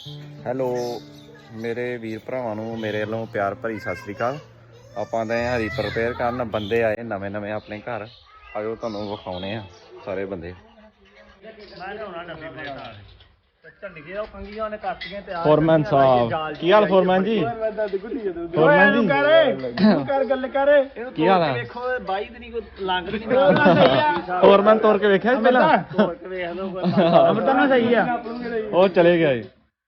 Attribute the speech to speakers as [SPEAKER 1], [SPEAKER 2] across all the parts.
[SPEAKER 1] Hello ਮੇਰੇ ਵੀਰ ਭਰਾਵਾਂ ਨੂੰ ਮੇਰੇ ਵੱਲੋਂ ਪਿਆਰ ਭਰੀ ਸਤਿ ਸ੍ਰੀ ਅਕਾਲ। ਆਪਾਂ ਤਾਂ ਹਰੀ ਪ੍ਰਪੇਅਰ ਕਰਨ ਬੰਦੇ ਆਏ ਨਵੇਂ ਆਪਣੇ ਘਰ। ਆਜੋ ਤੁਹਾਨੂੰ ਵਿਖਾਉਣੇ ਆ ਸਾਰੇ ਬੰਦੇ। ਫੋਰਮੈਨ ਸਾਹਿਬ ਕੀ ਹਾਲ? ਫੋਰਮੈਨ ਜੀ ਫੋਰਮੈਨ ਜੀ
[SPEAKER 2] ਕਰ ਗੱਲ ਕਰ
[SPEAKER 1] ਕੀ ਹਾਲ ਆ?
[SPEAKER 2] ਵੇਖੋ 22 ਦਿਨੀ ਕੋ ਲੰਘ ਨਹੀਂ
[SPEAKER 1] ਫੋਰਮੈਨ ਤੋਰ ਕੇ ਵੇਖਿਆ ਪਹਿਲਾਂ?
[SPEAKER 2] ਤੋੜ ਕੇ ਵੇਖ ਲਓ ਅਮਰਤਾ ਨਾ ਸਹੀ ਆ
[SPEAKER 1] ਉਹ ਚਲੇ ਗਿਆ ਜੀ।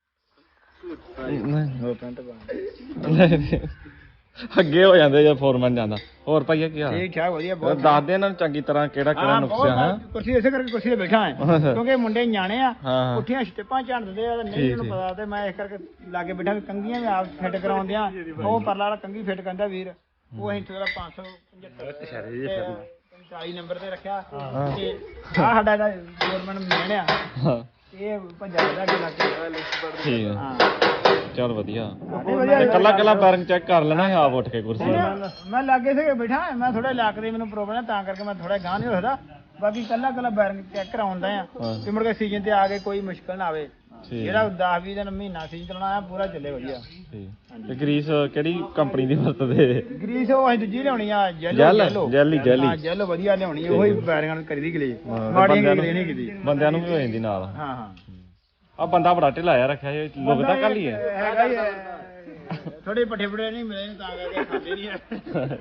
[SPEAKER 1] ਅੱਗੇ ਹੋ ਜਾਂਦੇ ਜੇ ਫੋਰਮੈਨ ਜਾਂਦਾ। ਹੋਰ ਭਾਈਆ ਕੀ ਹਾਲ?
[SPEAKER 2] ਠੀਕ ਠਾਕ ਵਧੀਆ ਬਹੁਤ।
[SPEAKER 1] ਦੱਸ ਦੇ ਇਹਨਾਂ ਨੂੰ ਚੰਗੀ ਤਰ੍ਹਾਂ ਕਿਹੜਾ ਨੁਕਸਿਆ ਹੈ।
[SPEAKER 2] ਕੁਰਸੀ ਇਸੇ ਕਰਕੇ ਕੁਰਸੀ ਤੇ ਬੈਠਾ ਹਾਂ ਕਿਉਂਕਿ ਮੁੰਡੇ ਨਿਆਣੇ ਆ
[SPEAKER 1] ਹਾਂ।
[SPEAKER 2] ਉੱਠੀਆਂ ਸਟਿੱਪਾਂ ਝੜਦੇ ਆ ਨਹੀਂ ਮੈਨੂੰ ਪਤਾ ਤੇ ਮੈਂ ਇਸ ਕਰਕੇ ਲਾਗੇ ਬੈਠਾ ਵੀ ਕੰਗੀਆਂ ਵੀ ਆਪ ਫਿੱਟ ਕਰਾਉਂਦੇ ਆ। ਉਹ ਪਰਲਾ ਵਾਲਾ ਕੰਗੀ ਫਿੱਟ ਕਰਦਾ ਵੀਰ, ਉਹ ਅਸੀਂ ਥੋੜਾ 575 40 ਨੰਬਰ ਤੇ ਰੱਖਿਆ ਤੇ ਆ ਸਾਡਾ ਗਵਰਨਮੈਂਟ ਮੈਨ ਆ ਇਹ ਪੰਜਾਬ ਦਾ ਲੱਗੇ
[SPEAKER 1] ਠੀਕ ਹੈ
[SPEAKER 2] ਹਾਂ
[SPEAKER 1] ਚਲ ਵਧੀਆ। ਕੱਲਾ ਬੈਰਿੰਗ ਚੈੱਕ ਕਰ ਲੈਣਾ ਆਪ ਉੱਠ ਕੇ ਕੁਰਸੀ।
[SPEAKER 2] ਮੈਂ ਲਾਗੇ ਸੇ ਬੈਠਾ ਮੈਂ ਥੋੜਾ ਇਲਾਕੇ ਦੇ ਮੈਨੂੰ ਪ੍ਰੋਬਲਮ ਹੈ ਤਾਂ ਕਰਕੇ ਮੈਂ ਥੋੜਾ ਗਾਂ ਨਹੀਂ ਰੱਖਦਾ। ਬਾਕੀ ਕੱਲਾ ਬੈਰਿੰਗ ਚੈੱਕ ਕਰਾਉਂਦਾ ਆ ਕਿ ਮੁੜ ਕੇ ਸੀਜ਼ਨ ਤੇ ਆ ਕੇ ਕੋਈ ਮੁਸ਼ਕਲ ਨਾ ਆਵੇ। ਜਿਹੜਾ 10-20 ਦਿਨ ਮਹੀਨਾ ਸੀਜ਼ਨ ਚਲਾਉਣਾ ਆ ਪੂਰਾ ਚੱਲੇ ਵਧੀਆ।
[SPEAKER 1] ਤੇ ਗਰੀਸ ਕਿਹੜੀ ਕੰਪਨੀ ਦੀ ਵਰਤਦੇ?
[SPEAKER 2] ਗਰੀਸ ਉਹ ਅਸੀਂ ਦੂਜੀ ਲਿਆਉਣੀ ਆ
[SPEAKER 1] ਜੈਲੀ
[SPEAKER 2] ਹਾਂ ਜੈਲ ਵਧੀਆ ਲਿਆਉਣੀ ਉਹੀ ਬੈਰਿੰਗਾਂ ਨੂੰ ਕਰੀਦੀ ਗਲੇ ਮਾੜੀਆਂ ਗਲੇ ਨਹੀਂ ਕੀਤੀ
[SPEAKER 1] ਬੰਦਿਆਂ ਨੂੰ ਵੀ ਹੋ ਜਾਂਦੀ ਨਾਲ।
[SPEAKER 2] ਹਾਂ ਹਾਂ
[SPEAKER 1] ਆ ਬੰਦਾ ਬੜਾ ਢਿਲਾਇਆ ਰੱਖਿਆ ਇਹ ਲੁਕਦਾ ਕੱਲ ਹੀ ਹੈ।
[SPEAKER 2] ਹੈਗਾ ਹੀ ਥੋੜੇ ਪੱਠੇ ਪੜੇ ਨਹੀਂ ਮਿਲੇ ਤਾਂ ਕਰਕੇ ਖਾਂਦੇ ਨਹੀਂ ਹੈ।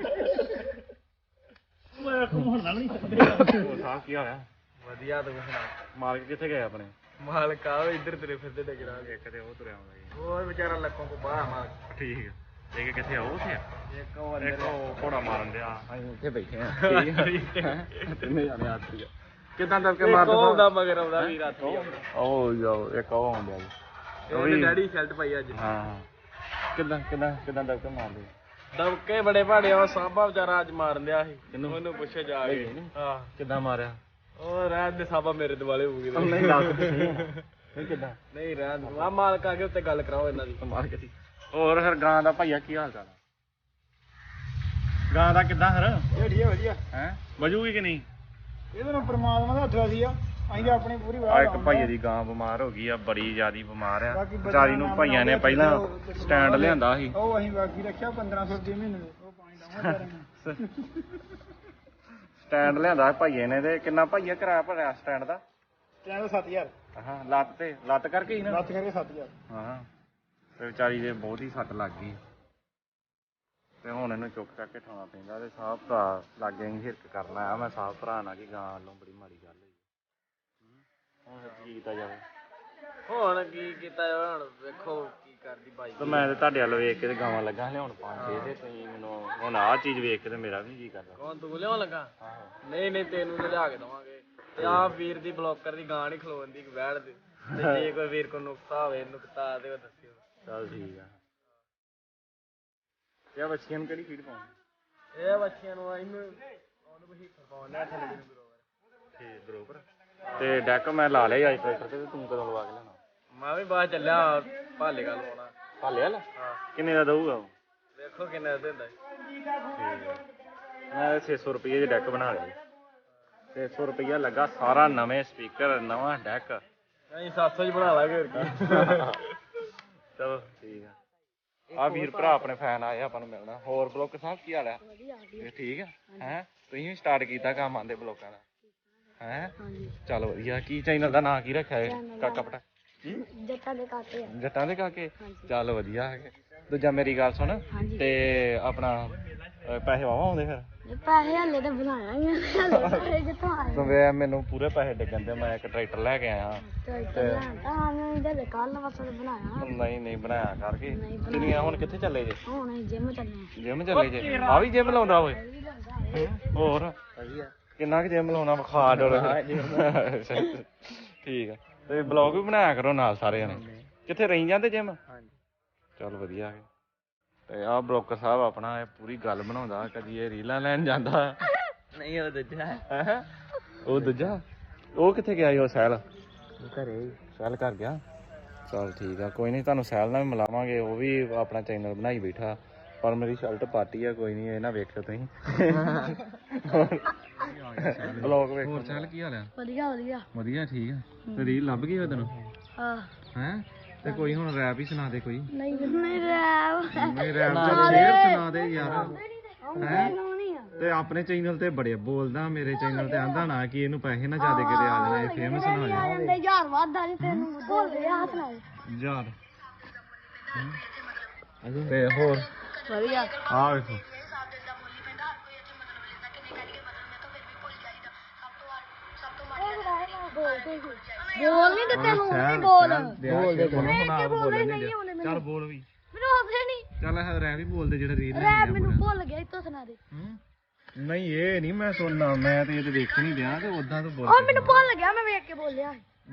[SPEAKER 2] ਮੈਂ ਘੁੰਮਣ ਨਾਲ ਨਹੀਂ ਸਕਦੇ।
[SPEAKER 1] ਹੋਰ ਸਾਹ ਕੀ ਹੋਇਆ?
[SPEAKER 2] ਵਧੀਆ ਤੂੰ ਸੁਣਾ।
[SPEAKER 1] ਮਾਲਕ ਕਿੱਥੇ ਗਏ ਆਪਣੇ?
[SPEAKER 2] ਮਾਲਕ ਆ ਇੱਧਰ ਤੁਰੇ ਫਿਰਦੇ ਡਗਰਾ
[SPEAKER 1] ਇੱਕ ਤੇ ਉਹ ਤੁਰਿਆ ਆਉਂਦਾ ਜੀ।
[SPEAKER 2] ਹੋਰ ਵਿਚਾਰਾ ਲੱਖੋਂ ਕੋ ਬਾਹਰ ਮਾਲਕ।
[SPEAKER 1] ਠੀਕ ਹੈ। ਇੱਕ ਕਿੱਥੇ ਆ? ਉਹ ਤੇ ਇੱਕ ਉਹ ਘੋੜਾ ਮਾਰਨ ਡਿਆ। ਅਸੀਂ ਉੱਥੇ ਬੈਠੇ ਆ। ਤਿੰਨੇ ਜਾਣੇ ਆ ਸੀ। ਕਿੱਦਾਂ ਦੱਸ ਕੇ ਮਾਰਦਾ?
[SPEAKER 2] ਉਹਦਾ ਮਗਰ ਆਉਂਦਾ ਵੀ ਰਾਤੀ
[SPEAKER 1] ਉਹ ਜਾਓ ਇੱਕ ਉਹ ਆਉਂਦਾ ਜੀ।
[SPEAKER 2] ਉਹਨੇ ਡੈਡੀ ਸ਼ਰਟ ਪਾਈ ਅੱਜ।
[SPEAKER 1] ਹਾਂ ਕਿੱਦਾਂ ਦੱਸ ਕੇ ਮਾਰਦੇ?
[SPEAKER 2] ਦਬਕੇ ਬੜੇ ਭਾੜੇ ਆ ਸਾਬਾ ਵਿਚਾਰਾ ਅੱਜ ਮਾਰਨ ਦਿਆ ਸੀ। ਉਹਨੂੰ ਪੁੱਛੇ ਜਾ ਕੇ ਹਾਂ
[SPEAKER 1] ਕਿੱਦਾਂ ਮਾਰਿਆ?
[SPEAKER 2] ਉਹ ਰਹਿਣ ਦੇ ਸਾਬਾ ਮੇਰੇ ਦੁਆਲੇ ਹੋ ਗਏ।
[SPEAKER 1] ਨਹੀਂ ਦੱਸ ਕਿੱਦਾਂ?
[SPEAKER 2] ਨਹੀਂ ਰਹਿਣ ਦੇ ਆ ਮਾਲਕ ਆ ਕੇ ਉੱਤੇ ਗੱਲ ਕਰਾਓ ਇਹਨਾਂ ਦੀ।
[SPEAKER 1] ਮਾਰ ਕੇ। ਹੋਰ ਫਿਰ ਗਾਂ ਦਾ ਭਾਈਆ ਕੀ ਹਾਲ ਚਾਲ? ਗਾਂ ਦਾ ਕਿੱਦਾਂ ਫਿਰ?
[SPEAKER 2] ਵਧੀਆ
[SPEAKER 1] ਹੈ ਵਜੂਗੀ ਕਿ ਨਹੀਂ?
[SPEAKER 2] ਇਹਦੇ ਨਾਲ ਪ੍ਰਮਾਤਮਾ ਦਾ ਹੱਥ ਸੀ ਆ ਅਸੀਂ ਆਪਣੀ ਪੂਰੀ
[SPEAKER 1] ਆ ਇੱਕ ਭਾਈਏ ਦੀ ਗਾਂ ਬਿਮਾਰ ਹੋ ਗਈ ਆ, ਬੜੀ ਜ਼ਿਆਦੀ ਬਿਮਾਰ ਆ ਵਿਚਾਰੀ ਨੂੰ। ਭਾਈਆਂ ਨੇ ਪਹਿਲਾਂ ਸਟੈਂਡ ਲਿਆਂਦਾ ਸੀ।
[SPEAKER 2] ਉਹ ਅਸੀਂ ਬਾਕੀ ਰੱਖਿਆ 1500 ਰੁਪਏ ਮਹੀਨੇ ਦੇ। ਉਹ ਪਾਣੀ ਦਵਾਂਗੇ
[SPEAKER 1] ਸਟੈਂਡ ਲਿਆਂਦਾ ਭਾਈਏ ਨੇ। ਤੇ ਕਿੰਨਾ ਭਾਈਆ ਕਿਰਾਇਆ ਭਰਿਆ ਸਟੈਂਡ ਦਾ?
[SPEAKER 2] ਸਟੈਂਡ 7000।
[SPEAKER 1] ਹਾਂ ਲੱਤ ਕਰਕੇ ਹੀ ਨਾ?
[SPEAKER 2] ਲੱਤ ਕਰਕੇ 7000।
[SPEAKER 1] ਹਾਂ ਤੇ ਵਿਚਾਰੀ ਦੇ ਬਹੁਤ ਹੀ ਸੱਟ ਲੱਗ ਗਈ ਤੇ ਹੁਣ ਇਹਨੂੰ ਚੁੱਕ ਚੱਕ ਕੇ ਠਾਉਣਾ ਪੈਂਦਾ। ਤੇ ਸਾਹ ਭਰਾ ਲਾਗੇ ਅਸੀਂ ਹਿਰਕ ਕਰਨ ਆਇਆ ਮੈਂ ਸਾਹ ਭਰਾ ਨਾਲ ਕਿ ਗਾਂ ਵੱਲੋਂ ਬੜੀ ਮਾੜੀ ਗੱਲ ਹੋਈ। ਹੁਣ ਕੀ ਕੀਤਾ ਜਾਵੇ?
[SPEAKER 2] ਹੁਣ ਕੀ ਕੀਤਾ ਜਾਵੇ? ਹੁਣ ਵੇਖੋ ਕੀ ਕਰਦੀ ਬਾਈ।
[SPEAKER 1] ਤੇ ਮੈਂ ਤੇ ਤੁਹਾਡੇ ਵੱਲ ਵੇਖ ਕੇ ਤੇ ਗਾਵਾਂ ਲੱਗਾ ਲਿਆਉਣ 5-6 ਤੇ ਤੁਸੀਂ ਮੈਨੂੰ ਹੁਣ ਆਹ ਚੀਜ਼ ਵੇਖ ਕੇ ਤੇ ਮੇਰਾ ਵੀ ਜੀ ਕਰਦਾ।
[SPEAKER 2] ਕੌਣ ਤੂੰ ਲਿਆਉਣ ਲੱਗਾ? ਨਹੀਂ ਤੈਨੂੰ ਤੇ ਲਿਆ ਕੇ ਦਵਾਂਗੇ। ਤੇ ਆਹ ਵੀਰ ਦੀ ਬਲੌਕਰ ਦੀ ਗਾਂ ਨਹੀਂ ਖਲੋਣ ਦੀ ਬੈਠ ਦੇ। ਤੇ ਜੇ ਕੋਈ ਵੀਰ ਕੋ ਨੁਕਤਾ ਹੋਵੇ ਨੁਕਤਾ ਤੇ ਉਹ ਦੱਸਿਓ।
[SPEAKER 1] ਚੱਲ ਠੀਕ ਆ। ਇਹ ਬੱਚੀਆਂ ਨੂੰ ਕਿਹੜੀ ਫੀਡ ਪਾਉਣੀ?
[SPEAKER 2] ਇਹ ਬੱਚਿਆਂ ਨੂੰ ਉਹਨੂੰ ਵੀ ਪਾਉਣਾ ਥੱਲੇ ਨੂੰ ਬਰੋਬਰ।
[SPEAKER 1] ਠੀਕ ਬਰੋਬਰ। ਤੇ ਡੈਕ ਮੈਂ ਲਾ ਲਿਆ ਅੱਜ ਟਰੈਕਟਰ ਤੇ ਤੂੰ ਕਦੋਂ ਲਵਾ ਕੇ ਲੈਣਾ?
[SPEAKER 2] ਮੈਂ ਵੀ ਬਾਹਰ ਚੱਲਿਆ ਭਾਲੇ ਗੱਲ ਪਾਉਣਾ।
[SPEAKER 1] ਭਾਲੇ ਵਾਲਾ?
[SPEAKER 2] ਹਾਂ
[SPEAKER 1] ਕਿੰਨੇ ਦਾ ਦਊਗਾ ਉਹ?
[SPEAKER 2] ਵੇਖੋ ਕਿੰਨੇ ਦਾ ਦਿੰਦਾ।
[SPEAKER 1] ਮੈਂ 600 ਰੁਪਏ ਦੀ ਡੈਕ ਬਣਾ ਲਈ। 600 ਰੁਪਇਆ ਲੱਗਾ ਸਾਰਾ, ਨਵੇਂ ਸਪੀਕਰ ਨਵਾਂ ਡੈਕ।
[SPEAKER 2] ਅਸੀਂ 700 ਚ ਬਣਾ ਲਾਂਗੇ ਹੋਰ ਕੀ।
[SPEAKER 1] ਚਲੋ ਠੀਕ ਆ। ਆ ਵੀਰ ਭਰਾ ਆਪਣੇ ਫੈਨ ਆਏ ਆਪਾਂ ਨੂੰ ਮਿਲਣਾ। ਹੋਰ ਬਲੌਕ ਸਾਹਿਬ ਕੀ ਹਾਲ ਹੈ? ਠੀਕ ਹੈ। ਹੈ ਤੁਸੀਂ ਵੀ ਸਟਾਰਟ ਕੀਤਾ ਕੰਮ ਆਂਦੇ ਬਲੌਕਾਂ ਦਾ? ਹੈ ਚੱਲ ਵਧੀਆ। ਕੀ ਚੈਨਲ ਦਾ ਨਾਂ ਕੀ ਰੱਖਿਆ ਹੈ? ਕਾਕਾ ਪਟਾ ਜੱਟਾਂ ਦੇ ਕਾਕੇ। ਚੱਲ ਵਧੀਆ ਹੈਗੇ। ਦੂਜਾ ਮੇਰੀ ਗੱਲ ਸੁਣ ਤੇ ਆਪਣਾ ਪੈਸੇ ਵਾਵਾ ਆਉਂਦੇ ਫਿਰ?
[SPEAKER 3] ਪੈਸੇ ਹਲੇ ਤਾਂ ਬਣਾਇਆ ਹੀ ਕਿੱਥੋਂ ਆਏ?
[SPEAKER 1] ਮੈਨੂੰ ਪੂਰੇ ਪੈਸੇ ਡਿੱਗਣ ਦੇ। ਮੈਂ ਇੱਕ ਟਰੈਕਟਰ ਲੈ ਕੇ ਆਇਆ
[SPEAKER 3] ਤੇ ਕੱਲ ਬਸ ਬਣਾਇਆ।
[SPEAKER 1] ਨਹੀਂ ਬਣਾਇਆ ਕਰਕੇ ਕਿੰਨੀਆਂ। ਹੁਣ ਕਿੱਥੇ ਚੱਲੇ ਜੇ?
[SPEAKER 3] ਹੁਣ ਜਿਮ ਚੱਲੇ।
[SPEAKER 1] ਜਿਮ ਚੱਲੇ ਜੇ? ਆ ਵੀ ਜਿਮ ਲਾਉਂਦਾ ਓਏ? ਹੋਰ ਕਿੰਨਾ ਕੁ ਜਿਮ ਲਾਉਣਾ? ਵਿਖਾ ਡੋਲ। ਠੀਕ ਆ। ਤੇ ਬਲੌਗ ਵੀ ਬਣਾਇਆ ਕਰੋ ਨਾਲ ਸਾਰੇ ਜਣੇ। ਕਿੱਥੇ ਰਹੀ ਜਾਂਦੇ ਜਿਮ? ਚੱਲ ਵਧੀਆ ਹੈ। ਤੇ ਆਹ ਬਲੌਕਰ ਸਾਹਿਬ ਆਪਣਾ ਇਹ ਪੂਰੀ ਗੱਲ ਬਣਾਉਂਦਾ। ਕਦੀ ਇਹ ਰੀਲਾਂ ਲੈਣ ਜਾਂਦਾ।
[SPEAKER 2] ਨਹੀਂ ਉਹ ਦੂਜਾ
[SPEAKER 1] ਹੈ ਉਹ ਦੂਜਾ। ਉਹ ਕਿੱਥੇ ਗਿਆ ਸੀ? ਉਹ ਸਹਿਲ
[SPEAKER 2] ਘਰੇ।
[SPEAKER 1] ਸਹਿਲ ਕਰ ਗਿਆ? ਚੱਲ ਠੀਕ ਆ। ਕੋਈ ਨਹੀਂ ਤੁਹਾਨੂੰ ਸਹਿਲ ਨਾਲ ਵੀ ਮਿਲਾਵਾਂਗੇ। ਉਹ ਵੀ ਆਪਣਾ ਚੈਨਲ ਬਣਾਈ ਬੈਠਾ। ਪਰ ਮੇਰੀ ਸ਼ਰਟ ਪਾਰਟੀ ਆ। ਕੋਈ ਨਹੀਂ ਇਹ ਨਾ ਵੇਖਿਓ ਤੁਸੀਂ। ਬਲੌਗ ਵੇਖੋ। ਹੋਰ ਸਹਿਲ ਕੀ ਹਾਲ ਆ?
[SPEAKER 3] ਵਧੀਆ
[SPEAKER 1] ਵਧੀਆ ਠੀਕ ਆ। ਤੇ ਰੀਲ ਲੱਭ ਗਈ ਉਹ ਤੈਨੂੰ?
[SPEAKER 3] ਹਾਂ
[SPEAKER 1] ਹੈ ਤੇ ਕੋਈ ਹੁਣ ਰੈਪ ਹੀ ਸੁਣਾ ਦੇ ਕੋਈ।
[SPEAKER 3] ਨਹੀਂ ਰੈਪ
[SPEAKER 1] ਨਹੀਂ ਰੈਪ ਦਾ ਸ਼ੇਰ ਸੁਣਾ ਦੇ ਯਾਰ ਹੈ। ਤੇ ਆਪਣੇ ਚੈਨਲ ਤੇ ਬੜੇ ਬੋਲਦਾ, ਮੇਰੇ ਚੈਨਲ ਤੇ ਆਂਦਾ ਨਾ ਕਿ ਇਹਨੂੰ ਪੈਸੇ ਨਾ ਜ਼ਿਆਦਾ ਕਿਤੇ ਆ ਜਾਣਾ, ਇਹ ਫੇਮਸ ਨਾ ਹੋ ਜਾਣਾ।
[SPEAKER 3] ਜਾਂਦੇ ਯਾਰ ਵਾਦਾ ਜੀ ਤੈਨੂੰ ਬੋਲ ਦੇ ਹੱਥ ਨਾਲ
[SPEAKER 1] ਯਾਰ ਤੇ ਹੋਰ
[SPEAKER 3] ਵਧੀਆ
[SPEAKER 1] ਆ ਵੇਖੋ
[SPEAKER 3] ਬੋਲ ਨਹੀਂ ਦਿੱਤੇ ਨੂੰ ਨਹੀਂ ਬੋਲ
[SPEAKER 1] ਬੋਲਦੇ ਚੱਲ ਬੋਲ ਵੀ
[SPEAKER 3] ਮੈਨੂੰ ਆਉਂਦੇ ਨਹੀਂ
[SPEAKER 1] ਚੱਲ ਰੈਪ ਹੀ ਬੋਲਦੇ ਜਿਹੜਾ ਰੀਲ
[SPEAKER 3] ਰੈਪ ਮੈਨੂੰ ਭੁੱਲ ਗਿਆ ਇਤੋਂ ਸੁਣਾ ਦੇ
[SPEAKER 1] ਨਹੀਂ ਇਹ ਨਹੀਂ ਮੈਂ ਸੁਣਨਾ, ਮੈਂ ਤੇ ਇਹ ਤੇ ਦੇਖ ਨਹੀਂ ਦਿਆਂ ਤੇ ਉਦਾਂ ਤੋਂ ਬੋਲ
[SPEAKER 3] ਉਹ ਮੈਨੂੰ ਭੁੱਲ ਗਿਆ, ਮੈਂ ਵੇਖ ਕੇ ਬੋਲਿਆ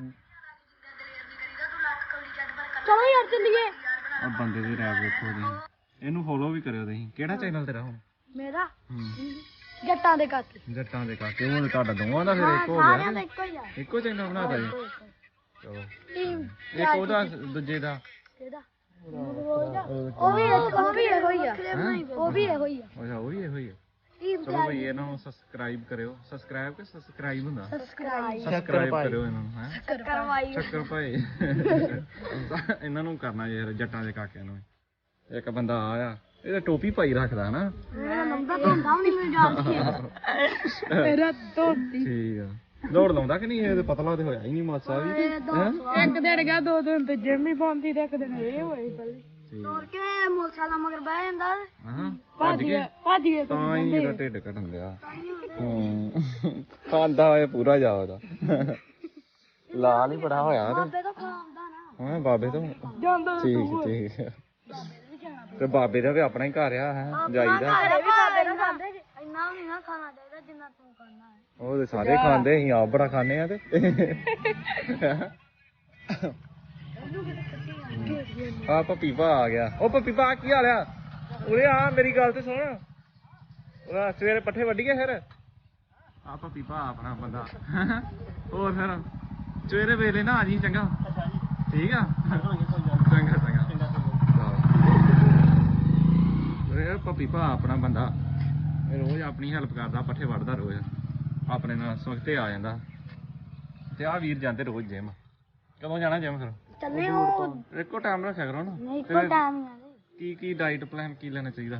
[SPEAKER 3] ਚਲੋ ਯਾਰ ਚੱਲੀਏ।
[SPEAKER 1] ਆ ਬੰਦੇ ਦੇ ਰੈਪ ਵੇਖੋ ਤੁਸੀਂ, ਇਹਨੂੰ ਫੋਲੋ ਵੀ ਕਰਿਓ ਤੁਸੀਂ। ਕਿਹੜਾ ਚੈਨਲ ਤੇਰਾ ਹੁਣ?
[SPEAKER 3] ਮੇਰਾ ਜੱਟਾਂ ਦੇ ਕਾਕੇ
[SPEAKER 1] ਜੱਟਾਂ ਦੇ ਕਾਕੇ। ਉਹ ਤੁਹਾਡਾ ਦੋਵਾਂ ਦਾ ਫਿਰ ਇੱਕ ਹੋ
[SPEAKER 3] ਸਾਰਿਆਂ
[SPEAKER 1] ਗਿਆ,
[SPEAKER 3] ਦਾ ਇੱਕੋ ਹੀ ਆ।
[SPEAKER 1] ਇੱਕੋ ਚੈਨਲ ਬਣਾਤਾ ਜੀ। ਚਲੋ
[SPEAKER 3] ਟੀਮ
[SPEAKER 1] ਇੱਕ ਉਹਦਾ ਦੂਜੇ ਦਾ
[SPEAKER 3] ਕਿਹਦਾ ਉਹ ਵੀ ਇਹੋ ਹੀ ਆ, ਉਹ ਵੀ ਇਹੋ ਹੀ ਆ।
[SPEAKER 1] ਅੱਛਾ ਉਹ ਵੀ ਇਹੋ ਹੀ ਆ।
[SPEAKER 3] ਟੀਮ
[SPEAKER 1] ਚਲੋ ਭਈ ਇਹਨਾਂ ਨੂੰ ਸਬਸਕ੍ਰਾਈਬ ਕਰਿਓ। ਸਬਸਕ੍ਰਾਈਬ ਕਿ ਸਬਸਕ੍ਰਾਈਬ ਹੁੰਦਾ?
[SPEAKER 3] ਸਬਸਕ੍ਰਾਈਬ
[SPEAKER 1] ਸਬਸਕ੍ਰਾਈਬ ਕਰਿਓ ਇਹਨਾਂ ਨੂੰ ਹੈ।
[SPEAKER 3] ਕਰਵਾਈ
[SPEAKER 1] ਚੱਕਰ ਭਾਈ ਇਹਨਾਂ ਨੂੰ ਕਰਨਾ ਯਾਰ, ਜੱਟਾਂ ਦੇ ਕਾਕਿਆਂ ਨੂੰ। ਇੱਕ ਬੰਦਾ ਆਇਆ, ਇਹਦਾ ਟੋਪੀ ਪਾਈ ਰੱਖਦਾ ਨਾ।
[SPEAKER 3] ਮੇਰਾ ਨੰਬਰ ਤਾਂ ਹੁੰਦਾ ਨਹੀਂ ਮੈਨੂੰ ਜਾਣਦੀ ਮੇਰਾ ਧੋਤੀ
[SPEAKER 1] ਠੀਕ ਆ। ਦੌੜ ਲਾਉਂਦਾ ਕਿ ਨਹੀਂ? ਇਹ ਤੇ ਪਤਲਾ ਤੇ ਹੋਇਆ ਹੀ ਨਹੀਂ ਮਾਸਾ ਵੀ।
[SPEAKER 3] ਇੱਕ ਦਿਨ ਗਿਆ 2 ਦਿਨ ਤੇ ਜਿਮ ਹੀ ਪਾਉਂਦੀ ਤੇ ਇੱਕ ਦਿਨ ਇਹ ਹੋਈ ਪਹਿਲੇ ਤੋੜ ਕੇ ਮੋਟਰਸਾਈਕਲ ਮਗਰ ਬਹਿ ਜਾਂਦਾ।
[SPEAKER 1] ਹਾਂ ਭੱਜ ਗਏ ਤਾਂ ਹੀ ਇਹਦਾ ਢਿੱਡ ਘਟਣ ਲਿਆ। ਖਾਂਦਾ ਹੋਇਆ ਪੂਰਾ ਜਾ ਉਹਦਾ ਲਾਲ ਹੀ ਬੜਾ ਹੋਇਆ
[SPEAKER 3] ਬਾਬੇ ਤੋਂ ਖਾਂਦਾ ਨਾ।
[SPEAKER 1] ਹਾਂ ਬਾਬੇ ਤੋਂ
[SPEAKER 3] ਜਾਂਦਾ
[SPEAKER 1] ਠੀਕ ਠੀਕ। ਤੇ ਬਾਬੇ ਦਾ ਵੀ ਆਪਣਾ ਹੀ ਘਰ ਆ ਹੈ, ਜਾਈਦਾ।
[SPEAKER 3] ਘਰੇ ਵੀ ਬਾਬੇ ਨਾਲ ਖਾਂਦੇ ਜੀ। ਇੰਨਾ ਨਹੀਂ ਨਾ ਖਾਣਾ ਚਾਹੀਦਾ ਜਿੰਨਾ ਤੂੰ ਖਾਣਾ ਹੈ।
[SPEAKER 1] ਉਹ ਤੇ ਸਾਰੇ ਖਾਂਦੇ, ਅਸੀਂ ਆਪ ਬੜਾ ਖਾਂਦੇ ਆ। ਤੇ ਆ ਪਪੀਪਾ ਆ ਗਿਆ। ਉਹ ਪਪੀਪਾ ਕੀ ਹਾਲ ਆ? ਉਰੇ ਆ ਮੇਰੀ ਗੱਲ ਤੇ ਸੁਣ। ਉਹ ਸਵੇਰੇ ਪੱਠੇ ਵੱਢੀਏ ਫਿਰ। ਆ ਪਪੀਪਾ ਆਪਣਾ ਬੰਦਾ। ਹੋਰ ਫਿਰ ਸਵੇਰੇ ਵੇਲੇ ਨਾ ਆ ਜੀ ਚੰਗਾ। ਠੀਕ ਆ ਚੰਗਾ ਚੰਗਾ। ਇਹ ਪਪੀਪਾ ਆਪਣਾ ਬੰਦਾ, ਇਹ ਰੋਜ਼ ਆਪਣੀ ਹੈਲਪ ਕਰਦਾ, ਪੱਠੇ ਵੱਢਦਾ ਰੋਜ਼, ਆਪਣੇ ਨਾਲ ਸਵਖਤੇ ਆ ਜਾਂਦਾ। ਤੇ ਆ ਵੀਰ ਜਾਂਦੇ ਰੋਜ਼ ਜਿਮ। ਕਦੋਂ ਜਾਣਾ ਜਿਮ ਫਿਰ?
[SPEAKER 3] ਚੱਲੇ ਉਹ
[SPEAKER 1] ਇੱਕੋ ਟਾਈਮ ਰੱਖਿਆ ਕਰੋ ਨਾ।
[SPEAKER 3] ਨਹੀਂ ਇੱਕੋ ਟਾਈਮ ਹੀ ਆ।
[SPEAKER 1] ਕੀ ਡਾਈਟ ਪਲਾਨ ਕੀ ਲੈਣਾ ਚਾਹੀਦਾ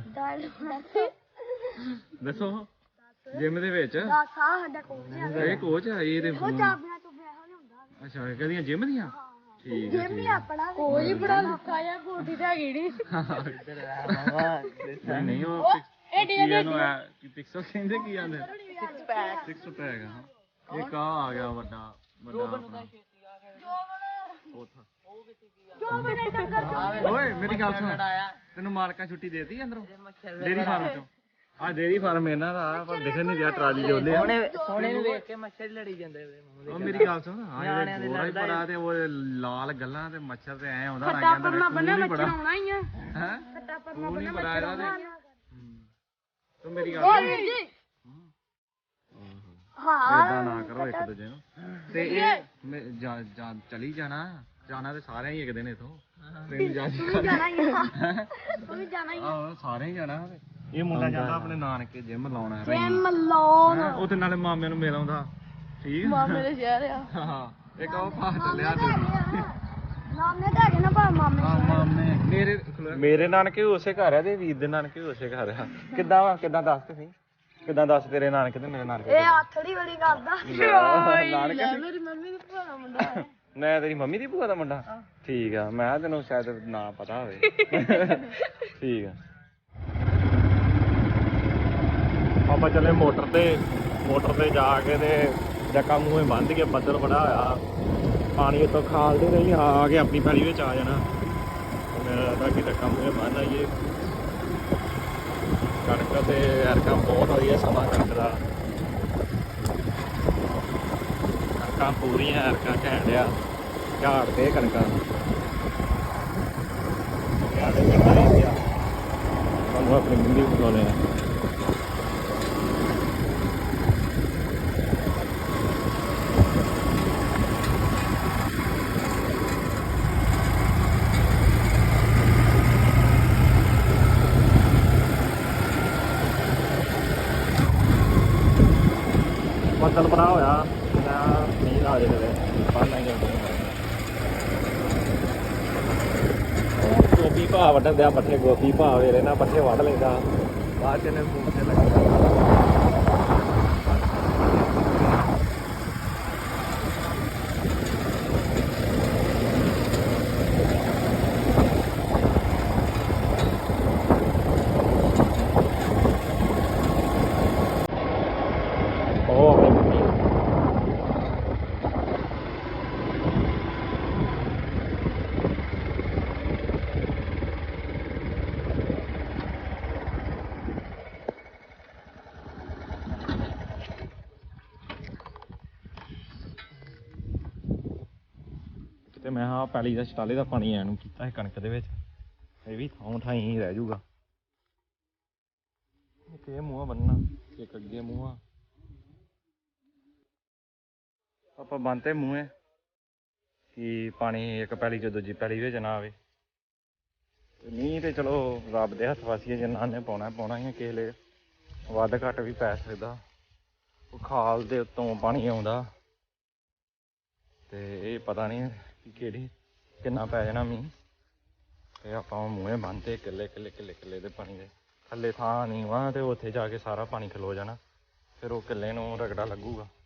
[SPEAKER 3] ਦੱਸ
[SPEAKER 1] ਦੱਸੋ? ਜਿਮ ਦੇ ਵਿੱਚ
[SPEAKER 3] ਸਾਹ ਸਾਡਾ ਕੋਚ ਆ।
[SPEAKER 1] ਇਹ ਕੋਚ ਆ ਇਹ ਤੇ।
[SPEAKER 3] ਉਹ ਚਾਬੀਆਂ ਤੋਂ ਬਿਆਹ ਨਹੀਂ ਹੁੰਦਾ।
[SPEAKER 1] ਅੱਛਾ ਕਦੀਆਂ ਜਿਮ ਦੀਆਂ? ਠੀਕ ਹੈ
[SPEAKER 3] ਜਿਮ ਹੀ ਆਪਣਾ ਕੋਈ ਬੜਾ ਲੁੱਕਾ ਜਾਂ ਕੋਠੀ ਤੇ ਹੈਗੀ ਨਹੀਂ
[SPEAKER 1] ਨਹੀਂ ਉਹ ਪਿਕਸਲ ਕਹਿੰਦੇ ਕੀ ਆਂਦੇ? 6 ਪੈਕ। ਇੱਕ ਆ ਗਿਆ ਵੱਡਾ ਓਏ ਮੇਰੀ ਗੱਲ ਸੁਣ, ਤੈਨੂੰ ਮਾਲਕਾਂ ਛੁੱਟੀ ਦੇਤੀ ਅੰਦਰੋਂ ਡੇਰੀ ਫਾਰਮ ਚੋਂ? ਆ ਡੇਰੀ ਫਾਰਮ ਇਹਨਾਂ ਦਾ ਪਰ ਦਿਖਣ ਨਹੀਂ ਰਿਹਾ, ਟਰਾਲੀ ਜੋਲੇ
[SPEAKER 4] ਸੋਹਣੇ ਨੂੰ ਵੇਖ ਕੇ ਮੱਛਰ ਲੜੀ ਜਾਂਦੇ।
[SPEAKER 1] ਉਹ ਮੇਰੀ ਗੱਲ ਸੁਣ, ਆ ਜਿਹੜੇ ਗੋਰਾ ਹੀ ਬੜਾ ਤੇ ਉਹ ਲਾਲ ਗੱਲਾਂ ਤੇ ਮੱਛਰ ਤੇ ਐ ਆਉਂਦਾ ਨਾ ਜਾਂਦਾ ਨਹੀਂ ਬੜਾ
[SPEAKER 3] ਆਉਣਾ ਹੀ ਆ।
[SPEAKER 1] ਹੈ ਤੂੰ ਨਹੀਂ ਬੜਾ ਇਹਦਾ ਤੇ ਤੂੰ ਮੇਰੀ ਗੱਲ
[SPEAKER 3] ਓਏ
[SPEAKER 1] ਸੁਣ।
[SPEAKER 3] ਵੀਰ ਜੀ ਹਾਂ
[SPEAKER 1] ਏਦਾਂ ਨਾ ਕਰੋ ਇੱਕ ਦੂਜੇ ਨੂੰ। ਤੇ ਇਹ ਚਲੀ ਜਾਣਾ ਤੇ ਸਾਰਿਆਂ ਹੀ ਇੱਕ ਦਿਨ ਇਥੋਂ ਟ੍ਰੇਨ
[SPEAKER 3] ਜਾਣਾ ਹੀ ਆ। ਤੂੰ ਵੀ ਜਾਣਾ ਹੀ ਆ।
[SPEAKER 1] ਆਹੋ ਸਾਰੇ ਹੀ ਜਾਣਾ। ਇਹ ਮੁੰਡਾ ਜਾਂਦਾ ਆਪਣੇ ਨਾਨਕੇ ਜਿਮ ਲਾਉਣਾ ਹੈ।
[SPEAKER 3] ਜਿਮ ਲਾਉਣ
[SPEAKER 1] ਉਹ ਤੇ ਨਾਲੇ ਮਾਮੇ ਨੂੰ ਮਿਲ ਆਉਂਦਾ। ਠੀਕ
[SPEAKER 3] ਮਾਮੇ ਦੇ ਸ਼ਹਿਰ ਆ।
[SPEAKER 1] ਹਾਂ ਇੱਕ ਉਹ ਭਾਗ ਚੱਲਿਆ
[SPEAKER 3] ਮਾਮੇ ਤਾਂ ਹੈਗੇ ਨਾ ਪਰ ਮਾਮੇ
[SPEAKER 1] ਮਾਮੇ ਮੇਰੇ ਨਾਨਕੇ ਵੀ ਉਸੇ ਘਰ ਆ ਤੇ ਵੀਰ ਦੇ ਨਾਨਕੇ ਵੀ ਉਸੇ ਘਰ ਆ। ਕਿੱਦਾਂ ਵਾ? ਕਿੱਦਾਂ ਦੱਸ ਤੇ ਸਹੀ, ਕਿੱਦਾਂ ਦੱਸ ਤੇਰੇ ਨਾਨਕੇ ਤੇ ਮੇਰੇ ਨਾਨਕੇ?
[SPEAKER 3] ਇਹ ਆਥੜੀ ਵਾਲੀ ਕਰਦਾ।
[SPEAKER 1] ਨਾਨਕੇ
[SPEAKER 3] ਮੇਰੀ ਮੰਮੀ ਦਾ ਭਰਾ ਦਾ ਮੁੰਡਾ ਹੈ।
[SPEAKER 1] ਮੈਂ ਤੇਰੀ ਮੰਮੀ ਦੀ ਭੂਆ ਦਾ ਮੁੰਡਾ? ਠੀਕ ਆ, ਮੈਂ ਤੈਨੂੰ ਸ਼ਾਇਦ ਨਾਂ ਪਤਾ ਹੋਵੇ। ਠੀਕ ਆ। ਆਪਾਂ ਚੱਲੇ ਮੋਟਰ ਤੇ ਜਾ ਕੇ ਤੇ ਜੱਕਾ ਮੂੰਹੇ ਬੰਦ ਕੇ, ਬੱਦਲ ਬੜਾ ਹੋਇਆ, ਪਾਣੀ ਇੱਥੋਂ ਖਾਲਦੇ ਨਹੀਂ ਆ ਕੇ ਆਪਣੀ ਪੈਲੀ ਵਿੱਚ ਆ ਜਾਣਾ। ਮੇਰਾ ਤਾਂ ਕਿ ਜੱਕਾ ਮੂੰਹੇ ਬੰਦ ਆਈਏ। ਕਣਕ ਤੇ ਐਰਕਾਂ ਬਹੁਤ ਵਧੀਆ ਸਮਾਂ ਕਣਕ ਦਾ, ਕਣਕਾਂ ਪੂਰੀਆਂ ਐਰਕਾਂ ਘੈਂਟ ਆ, ਝਾੜਦੇ ਕਣਕਾਂ। ਤੁਹਾਨੂੰ ਆਪਣੀ ਮੰਡੀ ਬੁਲਾਉਣੇ ਆ। ਬੱਦਲ ਬੜਾ ਹੋਇਆ, ਮੀਂਹ ਆ ਜੇ ਕਿਤੇ ਬਾਹਰ ਨਹੀਂ ਜਾਂਦੇ। ਭਾ ਵੱਢਣ ਦਿਆ ਪੱਠੇ ਗੋਪੀ ਭਾ ਵੇਲੇ ਨਾ ਪੱਠੇ ਵੱਢ ਲੈਂਦਾ ਬਾਅਦ ਚ ਨੇ ਮੂੰਹ ਤੇ ਲੱਗਾ ਉਹ ਆਪਣੀ ਮੰਮੀ ਤੇ ਮੈਂ ਹਾਂ ਪੈਲੀ ਦਾ ਛਟਾਲੇ ਦਾ ਪਾਣੀ ਐਨ ਨੂੰ ਕੀਤਾ ਸੀ ਕਣਕ ਦੇ ਵਿੱਚ ਇਹ ਵੀ ਥਾਂ ਥਾਂ ਹੀ ਰਹਿ ਜਾਊਗਾ ਇੱਕ ਇਹ ਮੂੰਹ ਬੰਨਣਾ ਇੱਕ ਅੱਗੇ ਮੂੰਹ ਆਪਾਂ ਬੰਨਤੇ ਮੂੰਹ ਕਿ ਪਾਣੀ ਇੱਕ ਪੈਲੀ ਚ ਦੂਜੀ ਪੈਲੀ ਵਿੱਚ ਨਾ ਆਵੇ ਤੇ ਮੀਂਹ ਤੇ ਚਲੋ ਰੱਬ ਦੇ ਹੱਥ ਵਾਸੀਏ ਜਿੰਨਾ ਨੇ ਪਾਉਣਾ ਹੀ ਆ ਕਿਸੇ ਵੇਲੇ ਵੱਧ ਘੱਟ ਵੀ ਪੈ ਸਕਦਾ ਉਹ ਖਾਲ ਦੇ ਉੱਤੋਂ ਪਾਣੀ ਆਉਂਦਾ ਤੇ ਇਹ ਪਤਾ ਨਹੀਂ ਕਿ ਕਿੰਨਾ ਪੈ ਜਾਣਾ ਮੀਂਹ ਤੇ ਆਪਾਂ ਮੂੰਹੇ ਬੰਨ੍ਹਤੇ ਕਿੱਲੇ ਦੇ ਪਾਣੀ ਦੇ ਥੱਲੇ ਥਾਂ ਨਹੀਂ ਵਾ ਤੇ ਉੱਥੇ ਜਾ ਕੇ ਸਾਰਾ ਪਾਣੀ ਖਲੋ ਜਾਣਾ ਫਿਰ ਉਹ ਕਿੱਲੇ ਨੂੰ ਰਗੜਾ ਲੱਗੂਗਾ